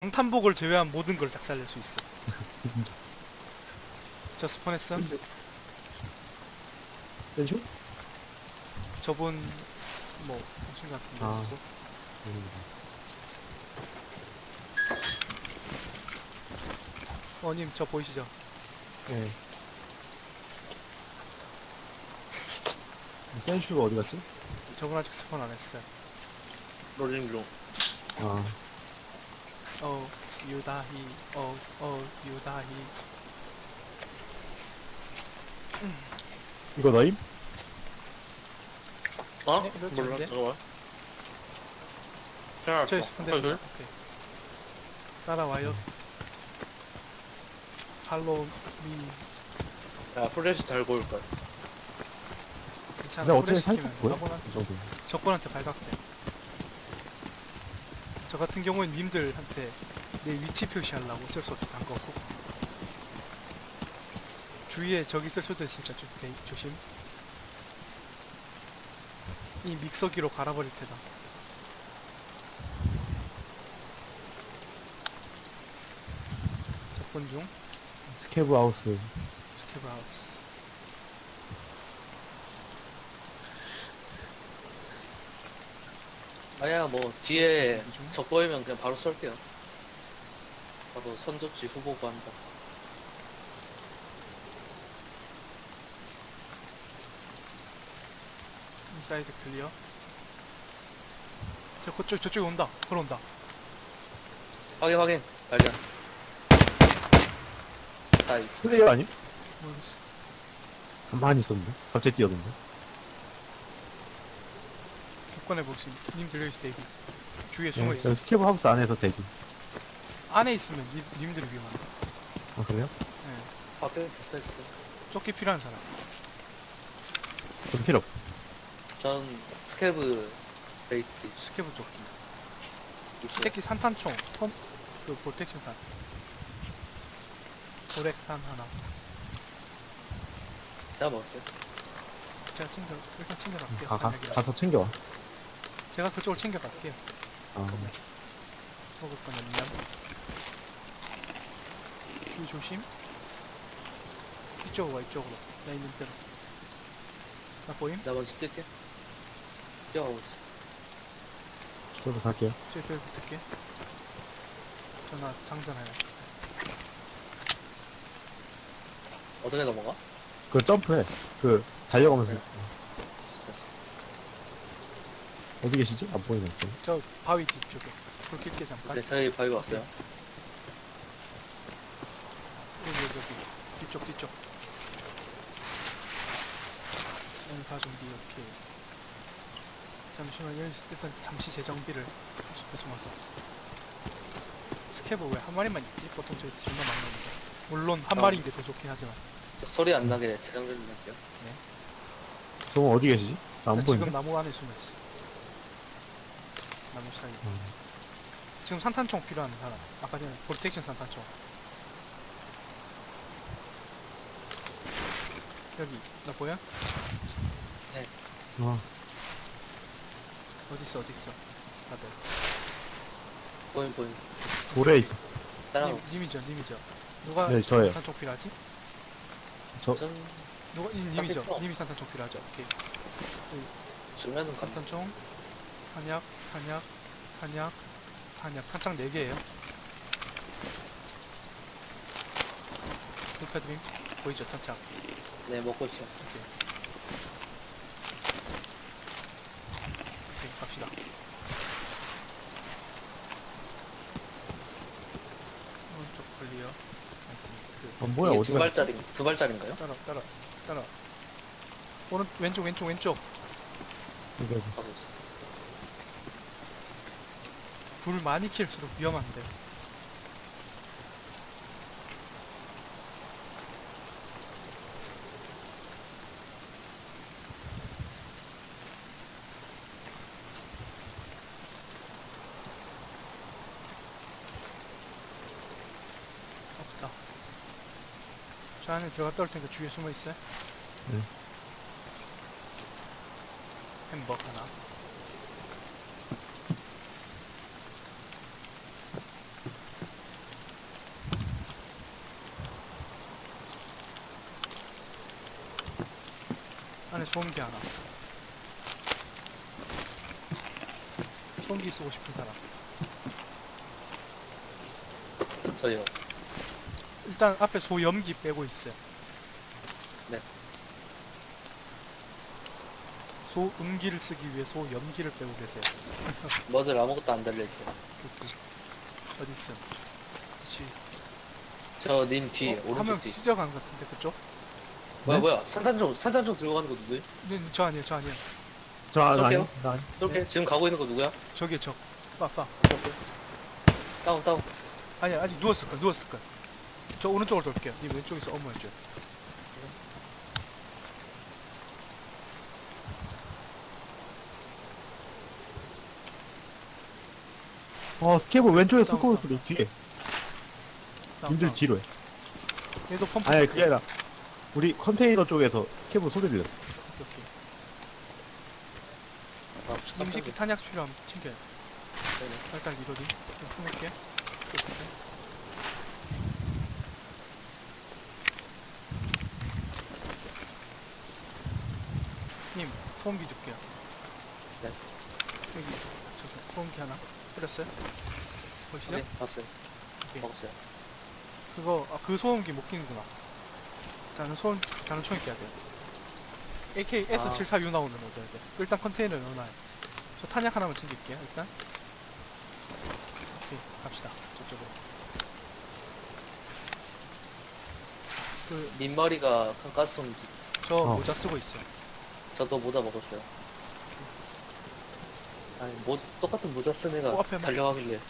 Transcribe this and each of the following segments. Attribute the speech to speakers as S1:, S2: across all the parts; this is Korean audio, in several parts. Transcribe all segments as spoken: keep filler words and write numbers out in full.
S1: 방탄복을 제외한 모든 걸 작살낼 수 있어. 저 스폰했어?
S2: 왼쪽?
S1: 저분 뭐 당신 같은데
S2: 아.
S1: 수도? 어님 저 보이시죠?
S2: 네. 센슈가 어디 갔지?
S1: 저분 아직 스폰 안 했어요.
S3: 롤링 중.
S2: 아.
S1: 어 유다히 어어 유다히.
S2: 이거 너임?
S3: 어?
S1: 네, 이거
S3: 몰라.
S1: 좋은데?
S3: 잠깐만. 생각났어.
S1: 저기 스폰
S3: 아,
S1: 됐다.
S3: 그래?
S1: 오케이. 따라와요. 팔로우 미.
S3: 야, 프레시 달고 올 거야.
S1: 괜찮아.
S2: 근데
S1: 오래
S2: 어떻게
S1: 시키면
S2: 살짝 보여?
S1: 아무한테
S2: 이 정도.
S1: 적군한테 발각돼. 저 같은 경우엔 님들한테 내 위치 표시하려고 어쩔 수 없이 단 거고. 주위에 적이 있을 수도 있으니까 좀 대, 조심. 이 믹서기로 갈아버릴 테다. 적군 중
S2: 스케브 하우스.
S1: 스케브 하우스.
S3: 아야, 뭐, 뒤에
S1: 준비 중.
S3: 적 보이면 그냥 바로 쏠게요. 바로 선접지 후보고 한다.
S1: 인사이드 클리어. 저 그쪽 저쪽에 온다. 걸어온다.
S3: 확인, 확인. 발견. 아이,
S2: 플레이어 아님?
S1: 모르겠어.
S2: 가만히 있었는데? 갑자기 뛰어든데?
S1: 조건해 보시. 님 들려있을 때 여기 주위에 숨어
S2: 네,
S1: 있어.
S2: 여기 스케브 하우스 안에서 대기.
S1: 안에 있으면 님, 님들이 위험한다.
S2: 아, 그래요?
S1: 예.
S3: 밖에 붙어있을 거야.
S1: 조끼 필요한 사람.
S2: 그럼 필요 없어.
S3: 전 스케브 베이스
S1: 스케브 조끼.
S3: 있어요.
S1: 새끼 산탄총. 펀, 그 프로텍션탄. 고렉산 하나.
S3: 제가 먹을게요.
S1: 제가 챙겨 일단 챙겨갈게요.
S2: 가, 가,
S1: 단약이랑.
S2: 가서 챙겨와.
S1: 제가 그쪽을 챙겨갈게요.
S2: 아,
S1: 먹을 거는 냠. 주의 조심. 이쪽으로 와 이쪽으로. 나 있는 대로. 나 보임?
S3: 나 먼저 뛸게. 뛰어가고 있어.
S2: 저도 갈게요.
S1: 저기 벽에 붙을게. 전화 장전해요.
S3: 어떻게 넘어가?
S2: 그 점프해. 그, 달려가면서.
S3: 네.
S2: 어디 계시지? 안 보이네. 또.
S1: 저 바위 뒤쪽에. 불 켤게 잠깐.
S3: 네, 저희 바위 왔어요.
S1: 여기 여기 여기. 뒤쪽 뒤쪽. 연사 준비 오케이. 잠시만 여기 일단 잠시 재정비를 숲에 숨어서. 스캐브 왜 한 마리만 있지? 보통 저기서 존나 많이 나오는데. 물론 한
S3: 어.
S1: 마리인 게 더 좋긴 하지만.
S3: 저 소리 안 나게 재정전 좀 할게요.
S2: 저건 어디 계시지? 안
S1: 나
S2: 보이네.
S1: 지금 나무 안에 숨어 있어. 나무 사이.
S2: 음.
S1: 지금 산탄총 필요한 사람. 아까 전에 프로텍션 산탄총. 여기 나 보여?
S2: 아,
S1: 어딨어 어딨어 다들.
S3: 보인, 보인.
S2: 돌에 있었어.
S3: 따라가.
S1: 님, 님이죠 님이죠. 누가
S2: 네, 저예요.
S1: 산탄총 필요하지?
S2: 저,
S3: 전
S1: 누가 이, 님이죠.
S3: 산탄총.
S1: 님이 산탄총 필요하죠. 오케이.
S3: 주면은 간
S1: 산탄총 탄약 탄약 탄약 탄약 탄창 네 개예요. 불패드림 보이죠 탄창.
S3: 네, 먹고 있어.
S1: 오케이. 오케이 갑시다. 오른쪽 클리어. 하여튼 그
S2: 아, 뭐야,
S3: 이게
S2: 어디
S3: 두
S2: 가?
S3: 발짜리, 두 발짜리인가요?
S1: 따라 따라 따라. 오른 왼쪽 왼쪽 왼쪽.
S2: 이거,
S3: 가고 있어.
S1: 불 많이 킬수록 위험한데. 없다. 저 안에 들어갔다 올 테니까 주위에 숨어 있어요.
S2: 네.
S1: 햄버거 하나. 안에 소음기 하나. 소음기 쓰고 싶은 사람.
S3: 저요.
S1: 일단 앞에 소염기 빼고 있어요.
S3: 네.
S1: 소음기를 쓰기 위해 소염기를 빼고 계세요.
S3: 머즐 아무것도 안 달려있어요.
S1: 어디 있어? 그렇지.
S3: 저 님 뒤에,
S1: 어,
S3: 오른쪽
S1: 화면
S3: 뒤.
S1: 찢어간 것 같은데 그쪽?
S3: 뭐야,
S2: 네?
S3: 뭐야. 산탄총, 산탄총 들고 가는 거 누구야?
S1: 네, 저 아니에요, 저 아니에요.
S2: 저, 아, 나
S3: 쏠게요.
S2: 아니, 나 아니.
S3: 쏠게. 지금 가고 있는 거 누구야?
S1: 저기에 저. 쏴, 쏴.
S3: 쏠게. 다운, 다운.
S1: 아니야, 아직 누웠을 거야, 누웠을 거야. 저 오른쪽으로 돌게요. 니 왼쪽에서 어머해줘.
S2: 어, 스케브 왼쪽에
S1: 다운,
S2: 스코어
S1: 다운.
S2: 소리 뒤에.
S1: 다운,
S2: 님들
S1: 다운.
S2: 뒤로 해.
S1: 얘도 펌프.
S2: 아니,
S1: 소리.
S2: 그게 아니라, 우리 컨테이너 쪽에서 스케브 소리 들렸어.
S1: 오케이, 오케이.
S3: 아,
S1: 님 새끼
S3: 깜짝이야.
S1: 탄약 필요하면 챙겨요.
S3: 네네.
S1: 일단 리로딩. 좀 숨을게. 또 숨게. 님, 소음기 줄게요.
S3: 네.
S1: 여기, 저기, 소음기 하나. 뿌렸어요? 보시죠?
S3: 네, 봤어요.
S1: 오케이.
S3: 먹었어요.
S1: 그거, 아, 그 소음기 못 끼는구나. 다른 소음, 다른 총이 껴야 돼요. 에이케이 에스 칠십사 유 나오면 얻어야 돼. 일단 컨테이너에 넣어놔요. 저 탄약 하나만 챙길게요, 일단. 오케이, 갑시다. 저쪽으로. 그,
S3: 민머리가 큰 가스통이지.
S1: 저
S2: 어.
S1: 모자 쓰고 있어요.
S3: 저도 모자 먹었어요. 아니, 모, 똑같은 모자 쓴 애가
S1: 어, 앞에 막-
S3: 달려가길래.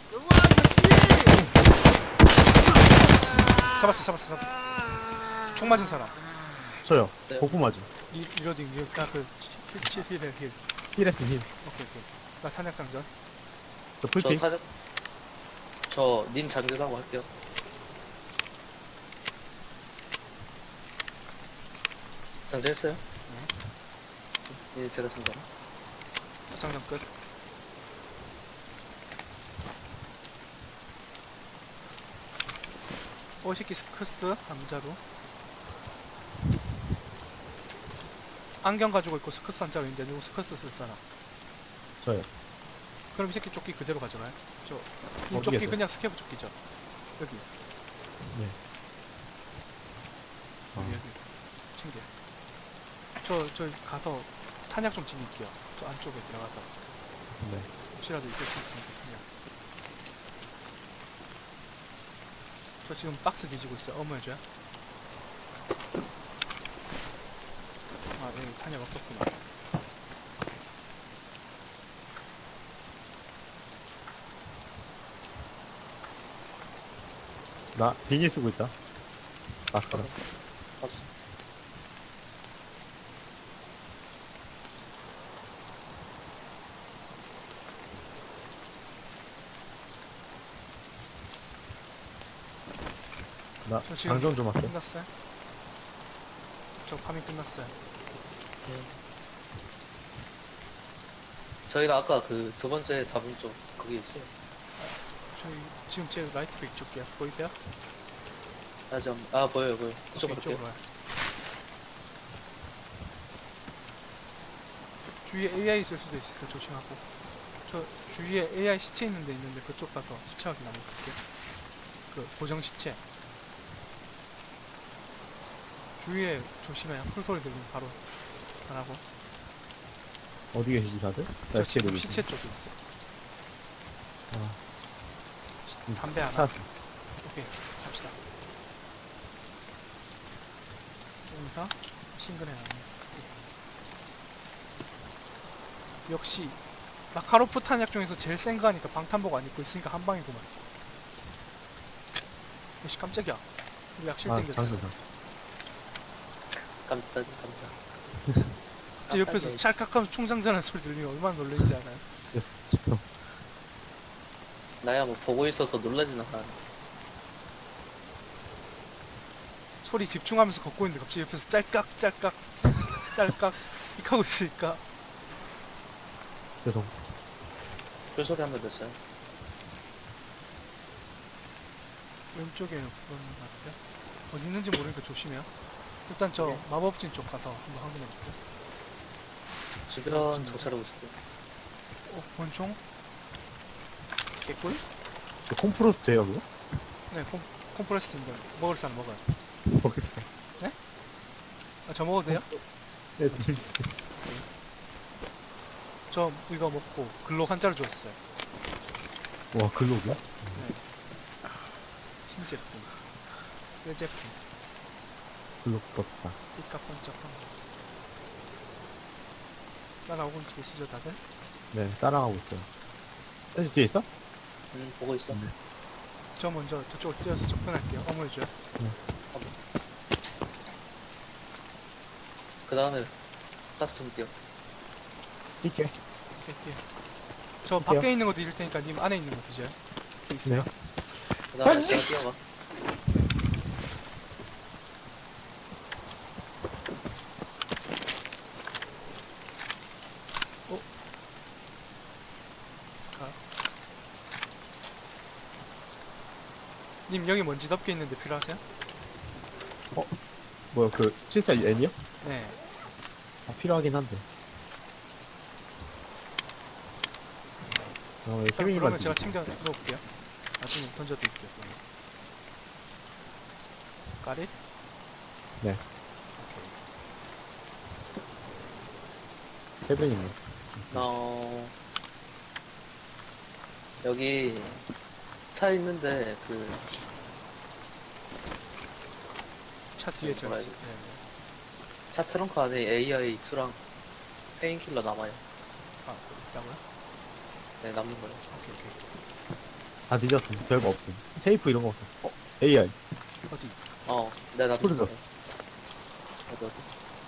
S1: 잡았어, 잡았어, 잡았어. 총 맞은 사람.
S2: 저요.
S3: 네.
S2: 복부 맞음.
S1: 이, 리로딩, 이, 아, 그, 힐, 칠, 힐, 힐.
S2: 힐했음, 힐.
S1: 오케이, 오케이. 나 탄약 장전.
S2: 저
S3: 저
S2: 풀핑.
S3: 사, 저, 님 장전하고 할게요. 장전했어요? 네. 네, 제가 장전.
S1: 장전 끝. 오시키 스크스 남자로. 안경 가지고 있고 스커스 한자로 있는데 누구 스커스 썼잖아.
S2: 저요.
S1: 그럼 이 새끼 조끼 그대로 가져가요. 저, 이
S2: 어디에
S1: 조끼
S2: 써요?
S1: 그냥 스케브 조끼죠. 여기,
S2: 네.
S1: 여기,
S2: 아.
S1: 여기. 챙겨. 저, 저 가서 탄약 좀 챙길게요. 저 안쪽에 들어가서.
S2: 네.
S1: 혹시라도 있을 수 있으니까 탄약. 저 지금 박스 뒤지고 있어요. 어머 해줘요. 아, 네, 탄약 없었구나.
S2: 나 비니 쓰고 있다. 마스카라.
S3: 봤어.
S2: 나
S1: 저 지금
S2: 장전 좀 할게.
S1: 끝났어요? 저 파밍 끝났어요.
S3: 저희가 아까 그 두 번째 잡은 쪽, 거기 있어요.
S1: 저희 지금 제 라이트백 줄게요. 보이세요?
S3: 아, 좀, 아, 보여요, 보여요. 그쪽으로
S1: 이쪽으로
S3: 갈게요.
S1: 와요. 주위에 에이아이 있을 수도 있으니까 조심하고. 저 주위에 에이아이 시체 있는 데 있는데 그쪽 가서 시체 확인 한번 볼게요. 그 고정 시체. 주위에 조심해요. 풀소리 들리면 바로 안 하고.
S2: 어디 계시지 다들?
S1: 저
S2: 나
S1: 지금
S2: 시체
S1: 시체 쪽에 있어.
S2: 아. 음,
S1: 담배 하나.
S2: 찾았어.
S1: 오케이, 갑시다. 용사 싱글해 놨네. 역시 마카로프 탄약 중에서 제일 센 거 하니까 방탄복 안 입고 있으니까 한 방이구만. 역시 깜짝이야. 우리 약실
S2: 아,
S1: 땡겼어.
S2: 장전.
S3: 감사, 감사.
S1: 제 옆에서 찰칵하면서 총장전하는 소리 들리면 얼마나 놀랄지 알아요?
S2: 죄송.
S3: 나야 뭐 보고 있어서 놀라진 않아.
S1: 소리 집중하면서 걷고 있는데 갑자기 옆에서 짤깍 짤깍 짤깍 이렇게 하고 있으니까
S2: 죄송.
S3: 풀소리 한 번 됐어요.
S1: 왼쪽에 없었는 것 같아요. 어디 있는지 모르니까 조심해요. 일단 저
S3: 네.
S1: 마법진 쪽 가서 한번 확인해 볼게요.
S3: 주변 정찰하고 있을게요.
S1: 어, 권총? 개꿀?
S2: 저 콤프로스트예요 그거?
S1: 네, 콤, 콤프레스인데 먹을 사람 먹어요.
S2: 모르겠어요.
S1: 아, 저 먹어도 돼요?
S2: 네, 드릴게요.
S1: 저 이거 먹고 글록 한자를 줬어요.
S2: 와 글로브야?
S1: 신제품, 새 제품,
S2: 글로브 부럽다.
S1: 삐까뻔쩍한 거. 따라오고 계시죠 다들?
S2: 네 따라가고 있어요. 센스 뒤에 있어?
S3: 음, 보고 있어.
S2: 네.
S1: 저 먼저 저쪽으로 뛰어서 접근할게요. 어머니줘요.
S3: 그 다음에 카스텀 뛰어.
S2: 뛸게.
S1: 네, 뛰어. 저 밖에 있는 거 드실 테니까 님 안에 있는 거 드셔요. 이렇게 있어요.
S2: 네.
S3: 그 다음에 제가 뛰어가.
S1: 스카. 님 여기 먼지 덮개 있는데 필요하세요?
S2: 뭐야 그 칠십사 N이요?
S1: 네.
S2: 아, 필요하긴 한데. 어, 여기
S1: 자,
S2: 케빈이만
S1: 그러면 제가
S2: 드릴게요.
S1: 챙겨 놓을게요. 나중에 던져드릴게요. 그러면. 까릿?
S2: 네. 케빈이만.
S3: 어, 여기 차 있는데 그
S1: 차 뒤에 저
S3: 뭐라
S1: 있어요.
S3: 해야
S1: 네, 네.
S3: 차 트렁크 안에 에이아이 이랑 페인킬러 남아요.
S1: 아, 있다고요?
S3: 네, 남는 거예요.
S1: 오케이, 오케이.
S2: 다 뒤졌음. 별거 없음. 테이프 이런 거 없음. 어? 에이아이.
S1: 어디?
S3: 어, 네, 나도
S2: 소리
S3: 있어요.
S2: 났어.
S3: 어디, 어디?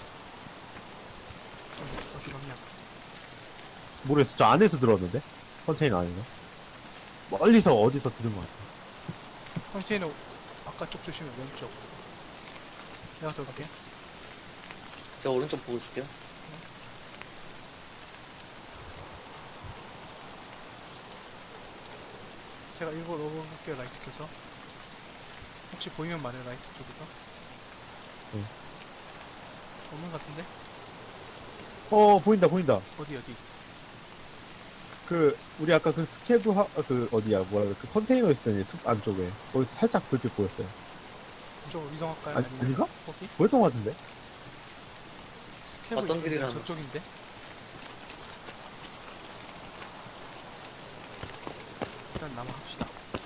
S1: 어디, 어디 갔냐?
S2: 모르겠어. 저 안에서 들었는데? 컨테이너 안에서. 멀리서 어디서 들은 것 같아.
S1: 컨테이너 아까 쪽 주시면 왼쪽. 내가 더 볼게.
S3: 제가 오른쪽 보고 있을게요.
S1: 제가 일부러 넣어볼게요. 라이트 켜서. 혹시 보이면 말해요. 라이트 쪽에서.
S2: 응.
S1: 없는 것 같은데?
S2: 어, 보인다, 보인다.
S1: 어디 어디?
S2: 그, 우리 아까 그 스케브 하, 아, 그, 어디야, 뭐야, 그 컨테이너 있을 때는 숲 안쪽에. 거기서 살짝 불빛 보였어요.
S1: 이쪽으로 이동할까요?
S2: 아니,
S1: 아니면
S2: 아닌가?
S1: 거기?
S2: 보였던 것 같은데?
S1: 스케브
S3: 어떤
S1: 이쪽인데,
S3: 길이라는
S1: 저쪽인데? 일단 남아합시다.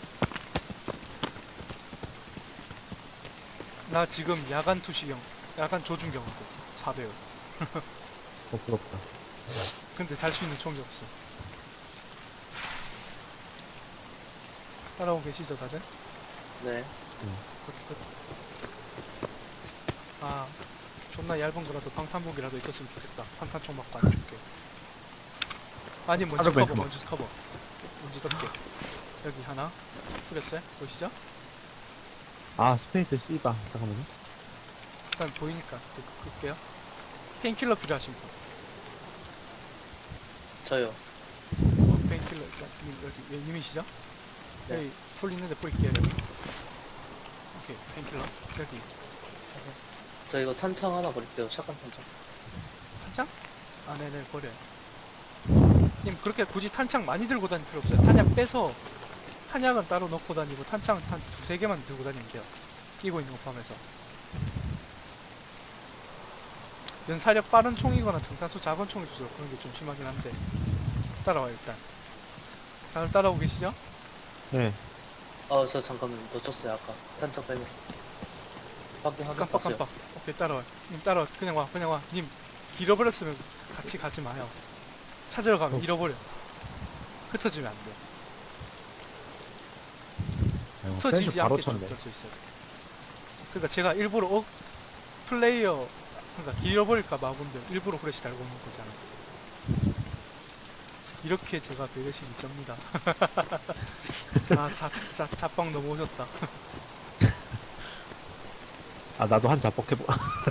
S1: 나 지금 야간 투시경, 야간 조준경거든. 사 배율.
S2: 어, 부럽다.
S1: 근데 달 수 있는 총이 없어. 따라오고 계시죠, 다들?
S3: 네.
S1: 끝, 끝. 아, 존나 얇은 거라도 방탄복이라도 있었으면 좋겠다. 산탄총 맞고 안 죽게. 아니, 먼지
S2: 하루
S1: 커버,
S2: 뱅크.
S1: 먼지 커버. 먼지 덮개. 여기 하나. 뿌렸어요? 보이시죠?
S2: 아, 스페이스 씨바. 잠깐만요.
S1: 일단 보이니까 또 끌게요. 페인킬러 필요하신 분.
S3: 저요.
S1: 어, 페인킬러 일단 님 여기 예, 님이시죠?
S3: 네.
S1: 여기 풀 있는데 뿌릴게요. 여기. 오케이, 페인킬러 여기.
S3: 저 이거 탄창 하나 버릴게요. 샷건 탄창.
S1: 탄창? 아, 네네, 버려요. 님, 그렇게 굳이 탄창 많이 들고 다닐 필요 없어요. 탄약 빼서, 탄약은 따로 넣고 다니고, 탄창 한 두세 개만 들고 다니면 돼요. 끼고 있는 거 포함해서. 연사력 빠른 총이거나 정탄수 작은 총일수록 그런 게 좀 심하긴 한데. 따라와요, 일단. 다들 따라오고 계시죠?
S2: 네.
S3: 어, 저 잠깐만 놓쳤어요. 아까 탄창 빼는. 밖에 확인
S1: 깜빡
S3: 봤어요.
S1: 깜빡. 오케이, 따라와. 님, 따라와. 그냥 와, 그냥 와. 님, 잃어버렸으면 같이 가지 마요. 찾으러 가면
S2: 어.
S1: 잃어버려. 흩어지면 안 돼.
S2: 아이고,
S1: 흩어지지
S2: 센스 바로
S1: 않게 좀
S2: 쳤네.
S1: 될 수 있어요. 그러니까 제가 일부러 어, 플레이어 그러니까 잃어버릴까 마분들 일부러 후레쉬 달고 오는 거잖아. 이렇게 제가 배려심이 쩝니다. 아, 자, 자, 자빵 넘어오셨다.
S2: 아, 나도 한 자뻑 해보.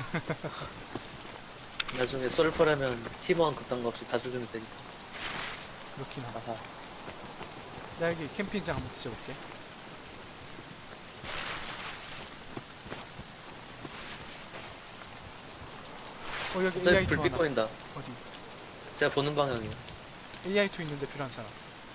S3: 나중에 썰프라면 팀원 그딴 거 없이 다 죽이면 되니까.
S1: 그렇긴 하다.
S3: 아하.
S1: 나 여기 캠핑장 한번 뒤져볼게. 어, 여기
S3: 저기
S1: 에이아이투
S3: 불빛
S1: 하나.
S3: 보인다.
S1: 어디?
S3: 제가 보는 방향이요.
S1: 에이아이 투 있는데 필요한 사람.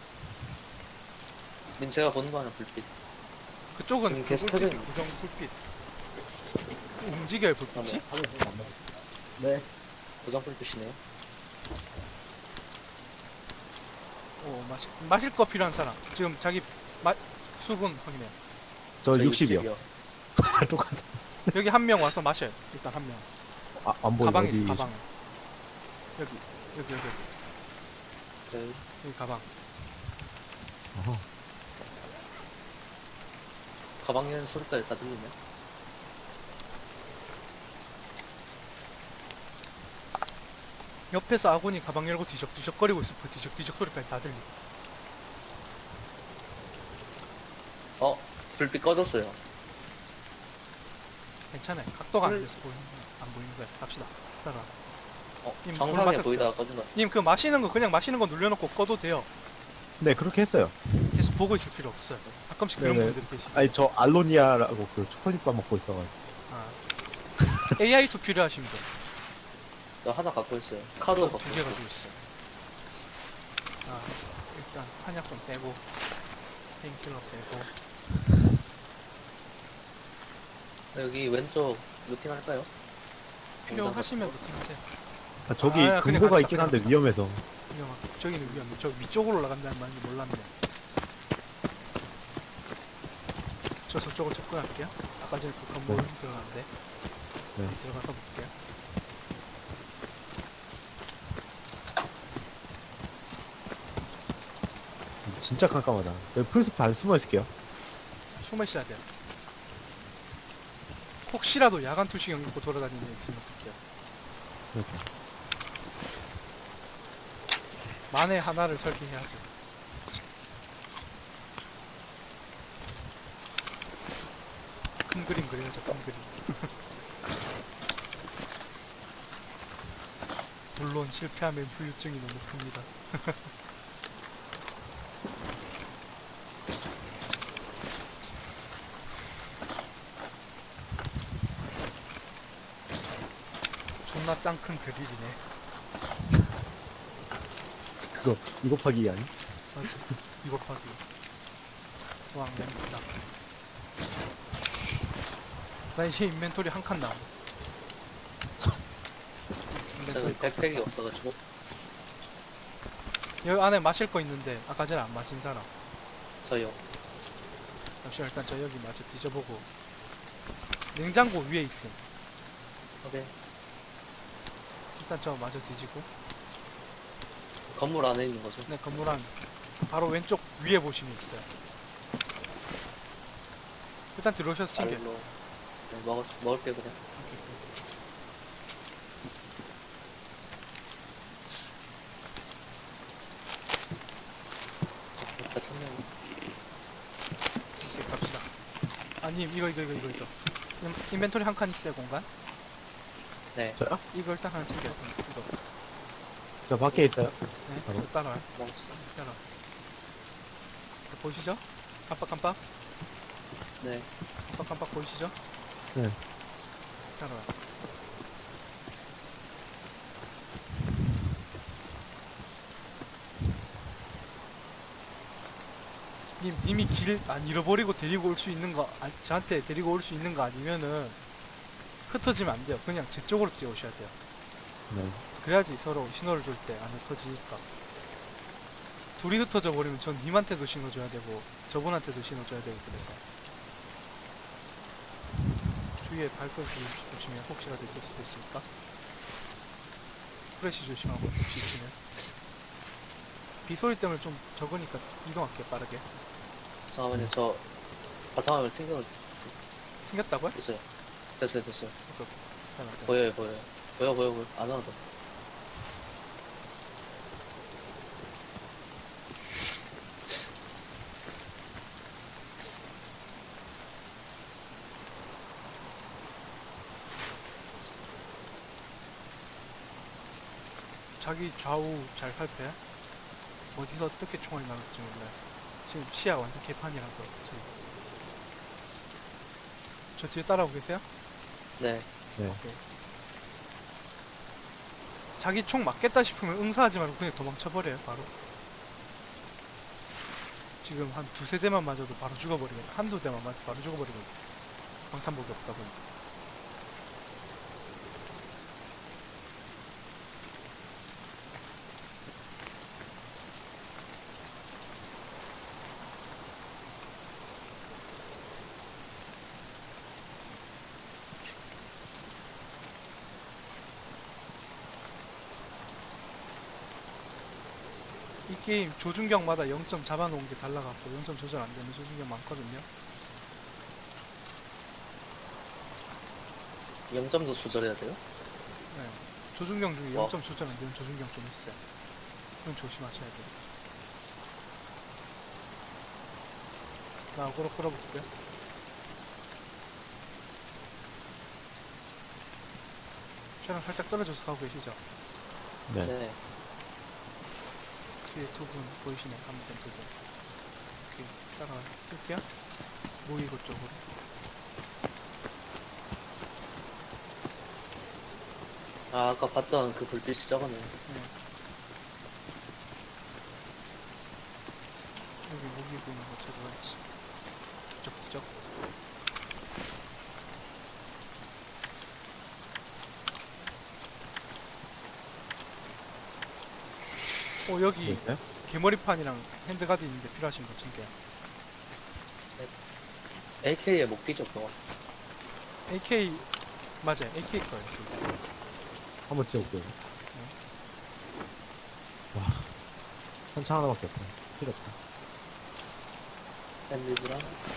S3: 님 제가 보는 방향 불빛.
S1: 그쪽은
S3: 지금
S1: 그
S3: 계속
S1: 불빛이
S3: 켜져
S1: 고정 불빛. 움직여요 불빛이?
S2: 네.
S3: 고정 불빛이네요.
S1: 오 마실 마실 거 필요한 사람. 지금 자기 마 수분 확인해요.
S2: 저
S3: 저
S2: 육십이요.
S3: 육십이요.
S2: 똑같아.
S1: 여기 한 명 와서 마셔요. 일단 한 명.
S2: 아, 안 보여.
S1: 가방에
S2: 어디.
S1: 있어 가방에. 여기 여기 여기
S3: 네.
S1: 여기 가방.
S2: 어허.
S3: 가방 연 소리까지 다 들리네.
S1: 옆에서 아군이 가방 열고 뒤적뒤적거리고 있어. 그 뒤적뒤적 소리까지 다 들리.
S3: 어? 불빛 꺼졌어요.
S1: 괜찮아요. 각도가 안
S3: 물-
S1: 돼서 보이는 거야. 안 보이는 거야. 갑시다. 따라.
S3: 어?
S1: 님,
S3: 정상에
S1: 물
S3: 보이다가 꺼진다.
S1: 님 그 마시는 거 그냥 마시는 거 눌려놓고 꺼도 돼요.
S2: 네, 그렇게 했어요.
S1: 계속 보고 있을 필요 없어요. 가끔씩 그런
S2: 네네.
S1: 분들이 계시죠.
S2: 아니, 저 알로니아라고 그 초콜릿밥 먹고 있어가지고.
S1: 아. 에이아이 투 필요하신 분.
S3: 나 하나 갖고 있어요. 카드 갖고
S1: 두 개
S3: 있어요.
S1: 가지고 있어요. 아, 일단 탄약권 빼고 페인킬러 빼고
S3: 여기 왼쪽 루팅 할까요?
S1: 필요하시면 루팅하세요.
S2: 아, 저기
S1: 아, 그냥
S2: 금고가
S1: 갑시다,
S2: 있긴 한데
S1: 그냥
S2: 위험해서.
S1: 위험하. 저기는 위험해. 저 위쪽으로 올라간다는 말인지 몰랐네. 저 저쪽으로 접근할게요. 아까 전에 그 건물
S2: 네.
S1: 들어갔는데
S2: 네.
S1: 들어가서 볼게요.
S2: 진짜 깜깜하다. 여기 풀숲 안 숨어 있을게요.
S1: 숨어 있어야 돼요. 혹시라도 야간 투시경 입고 돌아다니는 애 있으면 어떡해요.
S2: 그러니까.
S1: 만에 하나를 설계해야죠. 큰 그림 그려야죠, 큰 그림. 물론 실패하면 후유증이 너무 큽니다. 존나 짱 큰 드릴이네.
S2: 그거, 이거 파기 아니?
S1: 맞아. 이거 파기. 왕 램프다. 나 이제 인벤토리 한 칸 남아. 인벤토리
S3: 여기 백팩이 없어가지고.
S1: 여기 안에 마실 거 있는데 아까 전에 안 마신 사람.
S3: 저요.
S1: 잠시만 일단 저 여기 마저 뒤져보고. 냉장고 위에 있음.
S3: 오케이.
S1: 일단 저 마저 뒤지고.
S3: 건물 안에 있는 거죠.
S1: 네 건물 안 바로 왼쪽 위에 보시면 있어요. 일단 들어오셔서 챙겨.
S3: 알로. 네, 먹었, 먹을게 그냥. 다 쳤네.
S1: 이렇게 갑시다. 아님 이거 이거 이거 이거 이거. 인- 인벤토리 한 칸 있어요 공간.
S3: 네,
S2: 저요?
S1: 이거 일단 하나 챙겨. 이거.
S2: 저 밖에 있어요.
S1: 네.
S2: 바로?
S1: 이거 따라와요.
S3: 먹었어.
S1: 따라. 보이시죠? 깜빡깜빡.
S3: 네.
S1: 깜빡깜빡 보이시죠?
S2: 네.
S1: 따라와. 님, 님이 길 안 잃어버리고 데리고 올 수 있는 거, 아, 저한테 데리고 올 수 있는 거 아니면은 흩어지면 안 돼요. 그냥 제 쪽으로 뛰어오셔야 돼요.
S2: 네.
S1: 그래야지 서로 신호를 줄 때 안 흩어지니까. 둘이 흩어져 버리면 전 님한테도 신호 줘야 되고 저분한테도 신호 줘야 되고 그래서. 주위에 발소 주- 조심해. 혹시라도 있을 수도 있으니까. 프레시 조심하고 혹시 있으면. 빗소리 때문에 좀 적으니까 이동할게 빠르게.
S3: 잠깐만요. 저 바탕화면 튕겨
S1: 생겼다고요?
S3: 됐어요. 됐어요, 됐어요.
S1: 오케이, 오케이. 잠깐만, 잠깐만.
S3: 보여요, 보여요. 보여, 보여, 보여. 안 와도.
S1: 자기 좌우 잘 살펴요? 어디서 어떻게 총알이 나올지 몰라요. 지금 시야 완전 개판이라서. 저희. 저 뒤에 따라오고 계세요?
S3: 네.
S2: 네.
S1: 오케이. 자기 총 맞겠다 싶으면 응사하지 말고 그냥 도망쳐버려요 바로. 지금 한 두세 대만 맞아도 바로 죽어버리거든. 한두 대만 맞아도 바로 죽어버리거든. 방탄복이 없다 보니까. 이 게임 조준경마다 영 점 잡아놓은 게 달라갖고 영 점 조절 안 되는 조준경 많거든요.
S3: 영 점도 조절해야 돼요?
S1: 네. 조준경 중에
S3: 와.
S1: 영 점 조절 안 되는 조준경 좀 있어요. 그건 조심하셔야 돼요. 나 어그로 끌어볼게요. 촬영 살짝 떨어져서 가고 계시죠?
S2: 네.
S3: 네.
S1: 뒤에 두 분 보이시네, 한분 두 분. 오케이, 따라가 뜰게요. 모이고 쪽으로.
S3: 아, 아까 봤던 그 불빛이 저거네.
S1: 네. 여기 모이고 있는 거 찾아봐야지. 이쪽, 이쪽. 어, 여기
S2: 있어요?
S1: 개머리판이랑 핸드가드 있는데 필요하신 분 챙겨요.
S3: 에이케이에 못 끼죠, 그거.
S1: 에이케이, 맞아요. 에이케이 거예요. 지금.
S2: 한번 찍어볼게요. 와, 탄창 하나밖에 없다. 필요 없다.
S3: 샌드위치랑.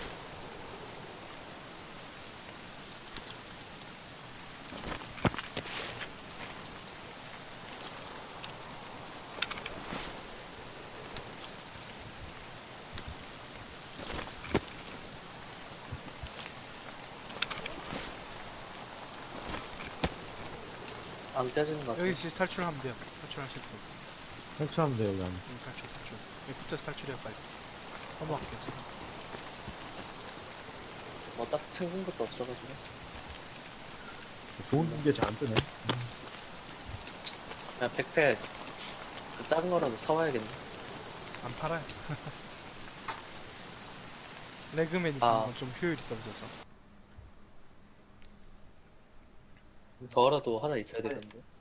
S3: 안 깨지는 것 같아.
S1: 여기 진짜 탈출하면 돼요. 탈출하실 분.
S2: 탈출하면 돼요, 여기 안에.
S1: 여기 탈출, 탈출. 여기 붙어서 탈출해요, 빨리. 넘어갈게요, 제가.
S3: 뭐 딱 챙긴 것도 없어가지고.
S2: 좋은 게 잘 안 뜨네.
S3: 그냥 백팩 그 작은 거라도 사와야겠네.
S1: 안 팔아요. 레그맨이
S3: 아.
S1: 아. 좀 효율이 떨어져서.
S3: 저거라도 하나 있어야 되겠는데.